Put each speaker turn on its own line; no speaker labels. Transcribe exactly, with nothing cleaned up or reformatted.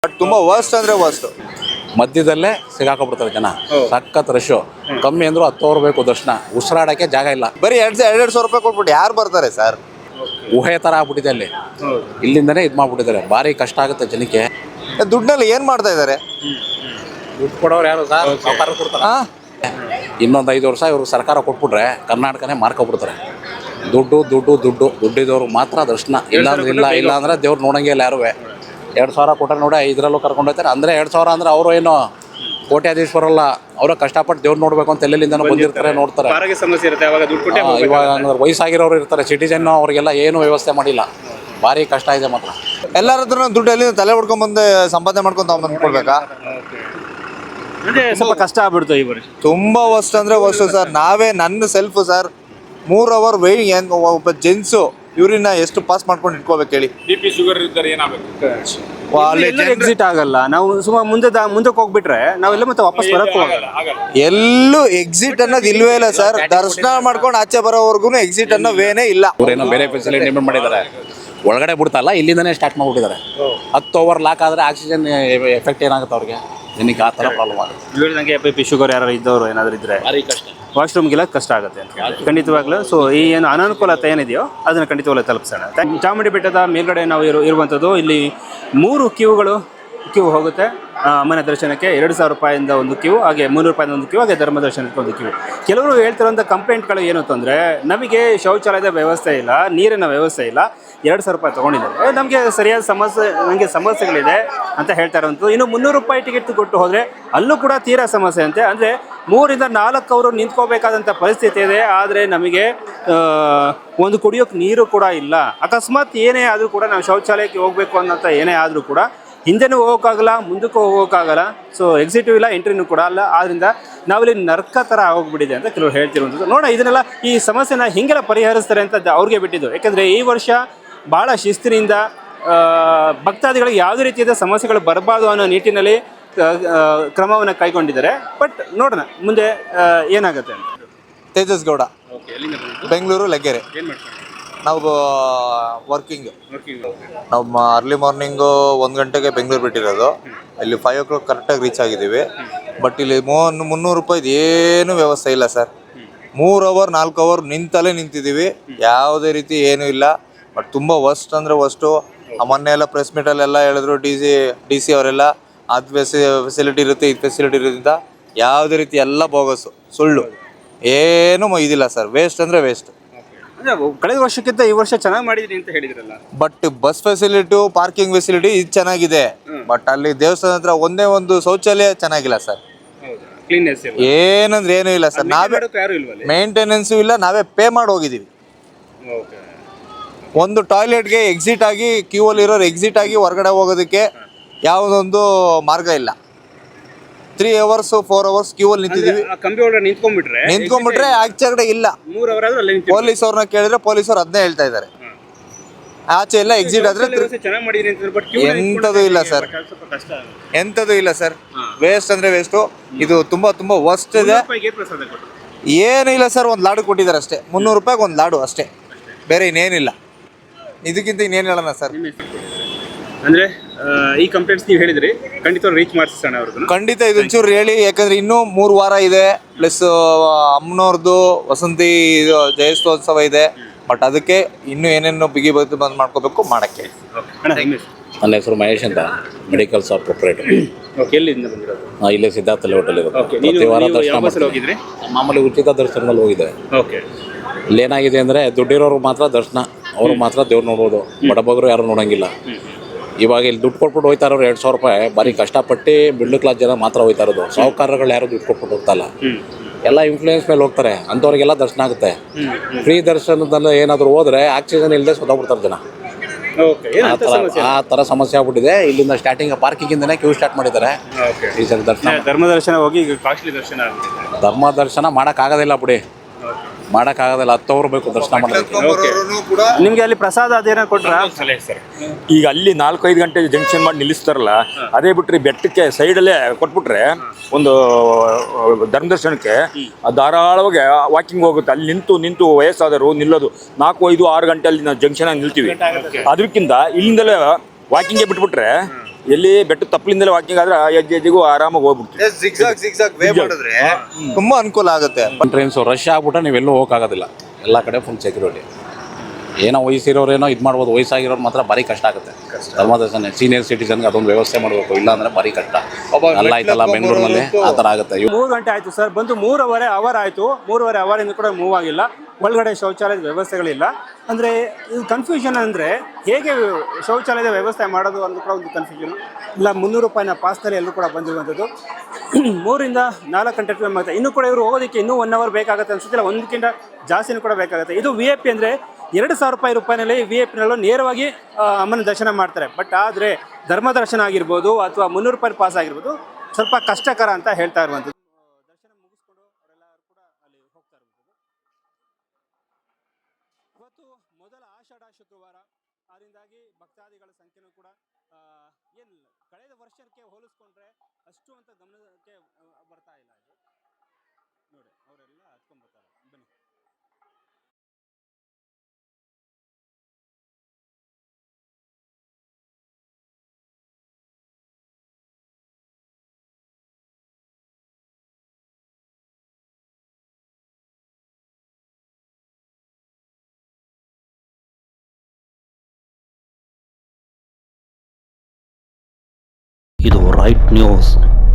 But ತುಂಬಾ worst ಅಂದ್ರೆ worst.
ಮಧ್ಯದಲ್ಲೇ ಸಿಗಾಕೊಬಿಡ್ತಾರೆ ಜನ. ಸಖತ್ ರಶ್. ಕಮ್ಮಿ ಅಂದ್ರು ಹತ್ತು ಅವ್ರು ಬೇಕು ದರ್ಶನ. ಉಸಿರಾಡಕ್ಕೆ ಜಾಗ ಇಲ್ಲ.
ಬರೀ ಎರಡ್ ಎರಡ್ ಸಾವಿರ ರೂಪಾಯಿ ಕೊಟ್ಬಿಟ್ಟು ಯಾರು ಬರ್ತಾರೆ ಸರ್?
ಊಹೆ ತರ ಆಗ್ಬಿಟ್ಟಿದೆ ಅಲ್ಲಿ. ಇಲ್ಲಿಂದನೇ ಇದು ಮಾಡ್ಬಿಟ್ಟಿದ್ದಾರೆ. ಭಾರಿ ಕಷ್ಟ ಆಗುತ್ತೆ ಜನಕ್ಕೆ.
ದುಡ್ಡಲ್ಲಿ ಏನ್ ಮಾಡ್ತಾ ಇದಾರೆ?
ದುಡ್ಡು ಕೊಡೋರು ಯಾರು ಸರ್? ಸರ್ಕಾರ ಕೊಡ್ತಾರ. ಇನ್ನೊಂದು ಐದು ವರ್ಷ ಇವ್ರು ಸರ್ಕಾರ ಕೊಟ್ಬಿಟ್ರೆ ಕರ್ನಾಟಕನೇ ಮಾರ್ಕೊಬಿಡ್ತಾರೆ. ದುಡ್ಡು ದುಡ್ಡು ದುಡ್ಡು ದುಡ್ಡಿದವ್ರು ಮಾತ್ರ ದರ್ಶನ. ಇಲ್ಲಾಂದ್ರೆ ಇಲ್ಲ ಇಲ್ಲ ಅಂದ್ರೆ ದೇವ್ರು ನೋಡಂಗೆ ಇಲ್ಲ ಯಾರು. ಎರಡು ಸಾವಿರ ಕೊಟ್ಟರೆ ನೋಡಿ ಐದರಲ್ಲೂ ಕರ್ಕೊಂಡು ಹೋಗ್ತಾರೆ. ಅಂದರೆ ಎರಡು ಸಾವಿರ ಅಂದ್ರೆ ಅವರು ಏನು ಕೋಟ್ಯಾಧೀಶ್ವರಲ್ಲ. ಅವರು ಕಷ್ಟಪಟ್ಟು ದೇವ್ರು ನೋಡ್ಬೇಕು ಅಂತ ಎಲ್ಲೆಲ್ಲಿಂದನೂ ಬಂದಿರ್ತಾರೆ, ನೋಡ್ತಾರೆ. ಇವಾಗ ವಯಸ್ಸಾಗಿರೋರು ಇರ್ತಾರೆ, ಸಿಟಿಜನ್, ಅವ್ರಿಗೆಲ್ಲ ಏನು ವ್ಯವಸ್ಥೆ ಮಾಡಿಲ್ಲ. ಭಾರಿ ಕಷ್ಟ ಇದೆ ಮಾತ್ರ.
ಎಲ್ಲರ ಹತ್ರ ದುಡ್ಡು ಎಲ್ಲಿ ತಲೆ ಹೊಡ್ಕೊಂಡ್ ಬಂದು ಸಂಪಾದನೆ ಮಾಡ್ಕೊಂತ ಬಂದ್ಕೊಳ್ಬೇಕಾ?
ಸ್ವಲ್ಪ ಕಷ್ಟ ಆಗ್ಬಿಡ್ತು ಈ ವರ್ಷ.
ತುಂಬಾ ವರ್ಸ್ಟ್ ಅಂದ್ರೆ ವರ್ಸ್ಟ್ ಸರ್. ನಾವೇ ನನ್ನ ಸೆಲ್ಫ್ ಸರ್ ಮೂರ್ ಅವರ್ ವೇಟ್ ಹೆಂಗ್ ಒಬ್ಬ ಜೆಂಟ್ಸು ಇವ್ರನ್ನ ಎಷ್ಟು ಪಾಸ್ ಮಾಡ್ಕೊಂಡು ಇಟ್ಕೋಬೇಕು ಹೇಳಿ?
ಬಿ ಪಿ ಶುಗರ್ ಇದ್ದಾರೆ ಏನಾಗಬೇಕು?
ಎಕ್ಸಿಟ್ ಆಗಲ್ಲ. ನಾವು ಸುಮಾರು ಮುಂದೆ ಮುಂದಕ್ಕೆ ಹೋಗ್ಬಿಟ್ರೆ ನಾವೆಲ್ಲ ಮತ್ತೆ ವಾಪಸ್ ಬರಕ್ ಹೋಗಲ್ಲ.
ಎಲ್ಲೂ ಎಕ್ಸಿಟ್ ಅನ್ನೋದು ಇಲ್ವೇ ಇಲ್ಲ ಸರ್. ದರ್ಶನ ಮಾಡ್ಕೊಂಡು ಆಚೆ ಬರೋವರೆಗೂ ಎಕ್ಸಿಟ್ ಅನ್ನೋ ವೇನೇ ಇಲ್ಲ.
ಅವ್ರೇನೋ ಬೇರೆ ಫೆಸಿಲಿಟಿ ಡಿಮ್ಯಾಂಡ್ ಮಾಡಿದ್ದಾರೆ. ಒಳಗಡೆ ಬಿಡ್ತಲ್ಲ, ಇಲ್ಲಿಂದನೇ ಸ್ಟಾರ್ಟ್ ಮಾಡ್ಬಿಟ್ಟಿದ್ದಾರೆ. ಹತ್ತು ಓವರ್ ಲಾಕ್ ಆದರೆ ಆಕ್ಸಿಜನ್ ಎಫೆಕ್ಟ್ ಏನಾಗುತ್ತೆ ಅವ್ರಿಗೆ, ಜನಕ್ಕೆ ಆ ಥರ ಪ್ರಾಬ್ಲಮ್ ಆಗುತ್ತೆ.
ಹೇಳಿದಂಗೆ ಬಿ ಪಿ ಶುಗರ್ ಯಾರು ಇದ್ದವರು ಏನಾದರೂ ಇದ್ರೆ
ಭಾರಿ ಕಷ್ಟ.
ವಾಶ್ರೂಮ್ಗೆಲ್ಲ ಕಷ್ಟ ಆಗುತ್ತೆ ಅಂತ ಖಂಡಿತವಾಗ್ಲೂ. ಸೊ ಈ ಏನು ಅನಾನುಕೂಲತೆ ಏನಿದೆಯೋ ಅದನ್ನು ಖಂಡಿತವಾಗ್ಲೂ ತಲುಪಿಸೋಣ. ಚಾಮುಂಡಿ ಬೆಟ್ಟದ ಮೇಲ್ಗಡೆ ನಾವು ಇರು ಇರುವಂಥದ್ದು ಇಲ್ಲಿ ಮೂರು ಕ್ಯೂಗಳು ಕ್ಯೂ ಹೋಗುತ್ತೆ ಅಮ್ಮನ ದರ್ಶನಕ್ಕೆ. ಎರಡು ಸಾವಿರ ರೂಪಾಯಿಂದ ಒಂದು ಕ್ಯೂ, ಹಾಗೆ ಮುನ್ನೂರು ರೂಪಾಯಿಂದ ಒಂದು ಕ್ಯೂ, ಹಾಗೆ ಧರ್ಮ ದರ್ಶನಕ್ಕೆ ಒಂದು ಕ್ಯೂ. ಕೆಲವರು ಹೇಳ್ತಿರೋಂಥ ಕಂಪ್ಲೇಂಟ್ಗಳು ಏನು ಅಂತಂದರೆ ನಮಗೆ ಶೌಚಾಲಯದ ವ್ಯವಸ್ಥೆ ಇಲ್ಲ, ನೀರಿನ ವ್ಯವಸ್ಥೆ ಇಲ್ಲ, ಎರಡು ಸಾವಿರ ರೂಪಾಯಿ ತೊಗೊಂಡಿದ್ದಾರೆ, ನಮಗೆ ಸರಿಯಾದ ಸಮಸ್ಯೆ ನನಗೆ ಸಮಸ್ಯೆಗಳಿದೆ ಅಂತ ಹೇಳ್ತಾ ಇರೋವಂಥದ್ದು. ಇನ್ನು ಮುನ್ನೂರು ರೂಪಾಯಿ ಟಿಕೆಟ್ ಕೊಟ್ಟು ಹೋದರೆ ಅಲ್ಲೂ ಕೂಡ ತೀರಾ ಸಮಸ್ಯೆ ಅಂತೆ. ಅಂದರೆ ಮೂರಿಂದ ನಾಲ್ಕು ಅವರು ನಿಂತ್ಕೋಬೇಕಾದಂಥ ಪರಿಸ್ಥಿತಿ ಇದೆ. ಆದರೆ ನಮಗೆ ಒಂದು ಕುಡಿಯೋಕ್ಕೆ ನೀರು ಕೂಡ ಇಲ್ಲ. ಅಕಸ್ಮಾತ್ ಏನೇ ಆದರೂ ಕೂಡ ನಾವು ಶೌಚಾಲಯಕ್ಕೆ ಹೋಗಬೇಕು ಅನ್ನೋಂಥ ಏನೇ ಆದರೂ ಕೂಡ ಹಿಂದೆನೂ ಹೋಗೋಕ್ಕಾಗಲ್ಲ, ಮುಂದಕ್ಕೂ ಹೋಗೋಕ್ಕಾಗಲ್ಲ. ಸೊ ಎಕ್ಸಿಟಿವ್ ಇಲ್ಲ, ಎಂಟ್ರಿನೂ ಕೂಡ ಅಲ್ಲ. ಆದ್ದರಿಂದ ನಾವಿಲ್ಲಿ ನರ್ಕ ಥರ ಆಗೋಗ್ಬಿಟ್ಟಿದೆ ಅಂತ ಕೆಲವರು ಹೇಳ್ತಿರುವಂಥದ್ದು. ನೋಡೋಣ ಇದನ್ನೆಲ್ಲ ಈ ಸಮಸ್ಯೆನ ಹಿಂಗೆಲ್ಲ ಪರಿಹರಿಸ್ತಾರೆ ಅಂತ ಅವ್ರಿಗೆ ಬಿಟ್ಟಿದ್ದು. ಯಾಕೆಂದರೆ ಈ ವರ್ಷ ಭಾಳ ಶಿಸ್ತಿನಿಂದ ಭಕ್ತಾದಿಗಳಿಗೆ ಯಾವುದೇ ರೀತಿಯಾದ ಸಮಸ್ಯೆಗಳು ಬರಬಾರ್ದು ಅನ್ನೋ ನಿಟ್ಟಿನಲ್ಲಿ ಕ್ರಮವನ್ನು ಕೈಗೊಂಡಿದ್ದಾರೆ. ಬಟ್ ನೋಡೋಣ ಮುಂದೆ ಏನಾಗುತ್ತೆ ಅಂತ.
ತೇಜಸ್ ಗೌಡ, ಬೆಂಗಳೂರು ಲಗ್ಗೆರೆ. ನಾವು ವರ್ಕಿಂಗ್ ನಾವು ಅರ್ಲಿ ಮಾರ್ನಿಂಗು ಒಂದು ಗಂಟೆಗೆ ಬೆಂಗಳೂರು ಬಿಟ್ಟಿರೋದು. ಇಲ್ಲಿ ಫೈವ್ ಓ ಕ್ಲಾಕ್ ಕರೆಕ್ಟಾಗಿ ರೀಚ್ ಆಗಿದ್ದೀವಿ. ಬಟ್ ಇಲ್ಲಿ ಮೂವನ್ ಮುನ್ನೂರು ರೂಪಾಯಿದು ಏನೂ ವ್ಯವಸ್ಥೆ ಇಲ್ಲ ಸರ್. ಮೂರು ಅವರ್ ನಾಲ್ಕು ಅವರ್ ನಿಂತಲೇ ನಿಂತಿದ್ದೀವಿ, ಯಾವುದೇ ರೀತಿ ಏನೂ ಇಲ್ಲ. ಬಟ್ ತುಂಬ ವರ್ಸ್ಟ್ ಅಂದರೆ ವರ್ಸ್ಟು. ಮೊನ್ನೆ ಎಲ್ಲ ಪ್ರೆಸ್ ಮೀಟಲ್ಲೆಲ್ಲ ಹೇಳಿದ್ರು ಡಿ ಸಿ ಡಿ ಸಿ ಅವರೆಲ್ಲ ಅದು ಫೆಸಿ ಫೆಸಿಲಿಟಿ ಇರುತ್ತೆ, ಇದು ಫೆಸಿಲಿಟಿ ಇರೋದ್ರಿಂದ ಯಾವುದೇ ರೀತಿ ಎಲ್ಲ ಬೋಗಸ್ಸು, ಸುಳ್ಳು, ಏನೂ ಇದಿಲ್ಲ ಸರ್. ವೇಸ್ಟ್ ಅಂದರೆ ವೇಸ್ಟ್.
ಕಳೆದ ವರ್ಷಕ್ಕಿಂತ ಈ ವರ್ಷ ಚೆನ್ನಾಗಿ ಮಾಡಿದ್ರಿ ಅಂತ ಹೇಳಿದ್ರಲ್ಲ.
But bus facility, parking facility ಇದು ಚೆನ್ನಾಗಿದೆ. ಬಟ್ ಅಲ್ಲಿ ದೇವಸ್ಥಾನ ಹತ್ರ ಒಂದೇ ಒಂದು ಶೌಚಾಲಯ ಚೆನ್ನಾಗಿಲ್ಲ ಸರ್. ಏನಂದ್ರೆ ಏನೂ ಇಲ್ಲ ಸರ್. ನಾವೇ ಮೇಂಟೆನೆನ್ಸು ಇಲ್ಲ, ನಾವೇ ಪೇ ಮಾಡಿ ಹೋಗಿದ್ದೀವಿ. ಒಂದು ಟಾಯ್ಲೆಟ್ಗೆ ಎಕ್ಸಿಟ್ ಆಗಿ ಕ್ಯೂ ಅಲ್ಲಿ ಇರೋರು ಎಕ್ಸಿಟ್ ಆಗಿ ಹೊರಗಡೆ ಹೋಗೋದಕ್ಕೆ ಯಾವುದೊಂದು ಮಾರ್ಗ ಇಲ್ಲ. Three hours four hours queue ಅಲ್ಲಿ ನಿಂತಿದ್ದೀವಿ.
ನಿಂತ್ಕೊಂಡ್ಬಿಟ್ರೆ
ನಿಂತ್ಕೊಂಡ್ಬಿಟ್ರೆ ಆಚೆ ಕಡೆ ಇಲ್ಲ. ಪೊಲೀಸ್ ಅವ್ರನ್ನ ಕೇಳಿದ್ರೆ ಪೊಲೀಸ್ ಅವ್ರು ಅದನ್ನೇ ಹೇಳ್ತಾ ಇದ್ದಾರೆ. ಆಚೆ ಎಲ್ಲ ಎಕ್ಸಿಟ್ ಆದ್ರೆ ಎಂಥದ್ದು ಇಲ್ಲ ಸರ್, ಎಂಥದ್ದು ಇಲ್ಲ ಸರ್. ವೇಸ್ಟ್ ಅಂದ್ರೆ ವೇಸ್ಟು. ಇದು ತುಂಬಾ ತುಂಬಾ ವರ್ಸ್ಟ್ ಇದೆ. ಏನು ಇಲ್ಲ ಸರ್, ಒಂದು ಲಾಡು ಕೊಟ್ಟಿದ್ದಾರೆ ಅಷ್ಟೇ. ಮುನ್ನೂರು ರೂಪಾಯಿಗೆ ಒಂದು ಲಾಡು ಅಷ್ಟೇ, ಬೇರೆ ಇನ್ನೇನಿಲ್ಲ. ಇದಕ್ಕಿಂತ ಇನ್ನೇನು ಹೇಳೋಣ ಸರ್.
ಅಂದ್ರೆ ಈ ಕಂಪ್ಲೇಂಟ್ಸ್ ನೀವು ಹೇಳಿದ್ರಿ, ಖಂಡಿತ ರೀಚ್ ಮಾಡಿಸೋಣ ಅವ್ರದ್ದು.
ಖಂಡಿತ ಇದೊಂಚೂರು ಹೇಳಿ. ಯಾಕಂದ್ರೆ ಇನ್ನೂ ಮೂರು ವಾರ ಇದೆ. ಪ್ಲಸ್ ಅಮ್ಮನವ್ರದ್ದು ವಸಂತಿ ಇದು ಜಯಸ್ತೋತ್ಸವ ಇದೆ. ಬಟ್ ಅದಕ್ಕೆ ಇನ್ನೂ ಏನೇನು ಬಿಗಿ ಬಂದು ಬಂದು ಮಾಡ್ಕೋಬೇಕು ಮಾಡೋಕ್ಕೆ.
ನನ್ನ ಹೆಸರು ಮಹೇಶ್ ಅಂತ, ಮೆಡಿಕಲ್ ಶಾಪ್ ಪ್ರೊಪ್ರೈಟರ್. ಹಾಂ, ಇಲ್ಲೇ ಸಿದ್ಧಾರ್ಥಲ್ಲಿ ಹೋಟೆಲ್ ಇರೋದು. ಪ್ರತಿ ವಾರ ದರ್ಶನ ಮಾಮೂಲಿ ಉಚಿತ ದರ್ಶನದಲ್ಲಿ ಹೋಗಿದೆ. ಇಲ್ಲೇನಾಗಿದೆ ಅಂದರೆ ದುಡ್ಡಿರೋರು ಮಾತ್ರ ದರ್ಶನ, ಅವರು ಮಾತ್ರ ದೇವ್ರು ನೋಡ್ಬೋದು. ಬಡಬಗರು ಯಾರು ನೋಡೋಂಗಿಲ್ಲ. ಇವಾಗ ಇಲ್ಲಿ ದುಡ್ಡು ಕೊಟ್ಬಿಟ್ಟು ಹೋಯ್ತಾ ಇರೋರು ಎರಡು ಸಾವಿರ ರೂಪಾಯಿ ಭಾರಿ ಕಷ್ಟಪಟ್ಟು ಮಿಡ್ಲ್ ಕ್ಲಾಸ್ ಜನ ಮಾತ್ರ ಹೋಯ್ತಾ ಇರೋದು. ಸಾಹುಕಾರಗಳು ಯಾರು ದುಡ್ಡು ಕೊಟ್ಬಿಟ್ಟು ಹೋಗ್ತಾಯಿಲ್ಲ, ಎಲ್ಲ ಇನ್ಫ್ಲೂಯೆನ್ಸ್ ಮೇಲೆ ಹೋಗ್ತಾರೆ. ಅಂಥವ್ರಿಗೆಲ್ಲ ದರ್ಶನ ಆಗುತ್ತೆ. ಫ್ರೀ ದರ್ಶನದಲ್ಲಿ ಏನಾದರೂ ಹೋದರೆ ಆಕ್ಸಿಜನ್ ಇಲ್ಲದೆ ಸತ್ತೋಗ್ಬಿಡ್ತಾರೆ ಜನ. ಆ ಥರ ಆ ಥರ ಸಮಸ್ಯೆ ಆಗ್ಬಿಟ್ಟಿದೆ. ಇಲ್ಲಿಂದ ಸ್ಟಾರ್ಟಿಂಗ್ ಪಾರ್ಕಿಂಗಿಂದನೇ ಕ್ಯೂ ಸ್ಟಾರ್ಟ್ ಮಾಡಿದ್ದಾರೆ. ಈ ಸಲ ದರ್ಶನ
ಧರ್ಮ ದರ್ಶನ ಹೋಗಿ ಕಾಸ್ಟ್ಲಿ ದರ್ಶನ
ಧರ್ಮ ದರ್ಶನ ಮಾಡೋಕ್ಕಾಗೋದಿಲ್ಲ ಬಿಡಿ, ಮಾಡೋಕ್ಕಾಗೋದಿಲ್ಲ. ಹತ್ತು ಅವ್ರು ಬೇಕು ದರ್ಶನ ಮಾಡೋದಕ್ಕೆ.
ನಿಮಗೆ ಅಲ್ಲಿ ಪ್ರಸಾದ ಅದೇನೋ ಕೊಟ್ರ?
ಈಗ ಅಲ್ಲಿ ನಾಲ್ಕೈದು ಗಂಟೆ ಜಂಕ್ಷನ್ ಮಾಡಿ ನಿಲ್ಲಿಸ್ತಾರಲ್ಲ, ಅದೇ ಬಿಟ್ಟರೆ ಬೆಟ್ಟಕ್ಕೆ ಸೈಡಲ್ಲೇ ಕೊಟ್ಬಿಟ್ರೆ ಒಂದು ಧರ್ಮ ದರ್ಶನಕ್ಕೆ ಧಾರಾಳವಾಗಿ ವಾಕಿಂಗ್ ಹೋಗುತ್ತೆ. ಅಲ್ಲಿ ನಿಂತು ನಿಂತು ವಯಸ್ಸಾದರು ನಿಲ್ಲೋದು ನಾಲ್ಕು ಐದು ಆರು ಗಂಟೆ ಅಲ್ಲಿ ನಾವು ಜಂಕ್ಷನ್ ಆಗಿ ನಿಲ್ತೀವಿ. ಅದಕ್ಕಿಂತ ಇಲ್ಲಿಂದಲೇ ವಾಕಿಂಗ್ಗೆ ಬಿಟ್ಬಿಟ್ರೆ ಎಲ್ಲಿ ಬೆಟ್ಟ ತಪ್ಪಲಿಂದಲೇ ವಾಕಿಂಗ್ ಆದ್ರೆ ಆ ಹೆಜ್ಜೆ ಹೆಜ್ಜೆಗೂ ಆರಾಮಾಗಿ ಹೋಗ್ಬಿಡ್ತೀವಿ.
ಜಿಗ್ಜಾಗ್ ಜಿಗ್ಜಾಗ್ ವೇ ಮಾಡಿದ್ರೆ ತುಂಬಾ ಅನುಕೂಲ ಆಗುತ್ತೆ.
ಟ್ರೈನ್ಸು ರಶ್ ಆಗ್ಬಿಟ್ರೆ ನೀವೆಲ್ಲೂ ಹೋಗೋಕ್ಕಾಗೋದಿಲ್ಲ, ಎಲ್ಲ ಕಡೆ ಫುಲ್ ಸೆಕ್ಯೂರಿಟಿ. ಏನೋ ವಯಸ್ಸಿರೋರೇನೋ ಇದು ಮಾಡ್ಬೋದು, ವಯಸ್ಸಾಗಿರೋರು ಮಾತ್ರ ಭಾರಿ ಕಷ್ಟ ಆಗುತ್ತೆ. ಧರ್ಮದರ್ಶನ ಸೀನಿಯರ್ ಸಿಟಿಸನ್ಗೆ ಅದೊಂದು ವ್ಯವಸ್ಥೆ ಮಾಡಬೇಕು, ಇಲ್ಲ ಅಂದರೆ ಭಾರಿ ಕಷ್ಟ. ಅಲ್ಲ ಆಯ್ತಲ್ಲ ಬೆಂಗಳೂರಿನಲ್ಲಿ ಆ ಥರ ಆಗುತ್ತೆ.
ಮೂರು ಗಂಟೆ ಆಯಿತು ಸರ್, ಬಂದು ಮೂರುವರೆ ಅವರ್ ಆಯಿತು. ಮೂರುವರೆ ಅವರಿಂದ ಕೂಡ ಮೂವ್ ಆಗಿಲ್ಲ. ಒಳಗಡೆ ಶೌಚಾಲಯದ ವ್ಯವಸ್ಥೆಗಳಿಲ್ಲ. ಅಂದರೆ ಇದು ಕನ್ಫ್ಯೂಷನ್ ಅಂದರೆ ಹೇಗೆ ಶೌಚಾಲಯದ ವ್ಯವಸ್ಥೆ ಮಾಡೋದು ಅನ್ನೋದು ಕೂಡ ಒಂದು ಕನ್ಫ್ಯೂಷನ್. ಇಲ್ಲ ಮುನ್ನೂರು ರೂಪಾಯಿನ ಪಾಸ್ನಲ್ಲಿ ಎಲ್ಲರೂ ಕೂಡ ಬಂದಿರುವಂಥದ್ದು. ಮೂರಿಂದ ನಾಲ್ಕು ಗಂಟೆ ಟೈಮ್ ಆಗುತ್ತೆ. ಇನ್ನೂ ಕೂಡ ಇವರು ಹೋಗೋದಕ್ಕೆ ಇನ್ನೂ ಒನ್ ಅವರ್ ಬೇಕಾಗುತ್ತೆ ಅನ್ಸುತ್ತಿಲ್ಲ, ಒಂದಕ್ಕಿಂತ ಜಾಸ್ತಿನೂ ಕೂಡ ಬೇಕಾಗುತ್ತೆ. ಇದು ವಿ ಐ ಪಿ ಅಂದರೆ ಎರಡು ಸಾವಿರ ರೂಪಾಯಿ ರೂಪಾಯಿನಲ್ಲಿ ವಿ ಐ ಪಿನಲ್ಲೂ ನೇರವಾಗಿ ಅಮ್ಮನ ದರ್ಶನ ಮಾಡ್ತಾರೆ. ಬಟ್ ಆದರೆ ಧರ್ಮ ದರ್ಶನ ಆಗಿರ್ಬೋದು ಅಥವಾ ಮುನ್ನೂರು ರೂಪಾಯಿ ಪಾಸ್ ಆಗಿರ್ಬೋದು ಸ್ವಲ್ಪ ಕಷ್ಟಕರ ಅಂತ ಹೇಳ್ತಾ ಇರುವಂಥದ್ದು. ದರ್ಶನ ಮುಗಿಸ್ಕೊಂಡು ಅವರೆಲ್ಲರೂ ಕೂಡ ಅಲ್ಲಿ ಹೋಗ್ತಾ ಇರುವಂಥದ್ದು. ಇವತ್ತು ಮೊದಲ ಆಷಾಢ ಶುಕ್ರವಾರ, ಅದರಿಂದಾಗಿ ಭಕ್ತಾದಿಗಳ ಸಂಖ್ಯೆನೂ ಕೂಡ ಏನು ಕಳೆದ ವರ್ಷಕ್ಕೆ ಹೋಲಿಸ್ಕೊಂಡ್ರೆ ಅಷ್ಟು ಅಂತ ಗಮನಕ್ಕೆ ಬರ್ತಾ ಇಲ್ಲ. ಇದು ನೋಡಿ ಅವರೆಲ್ಲ ಹತ್ಕೊಂಡ್ಬರ್ತಾರೆ. ಬನ್ನಿ.
ಇದು ರೈಟ್ ನ್ಯೂಸ್.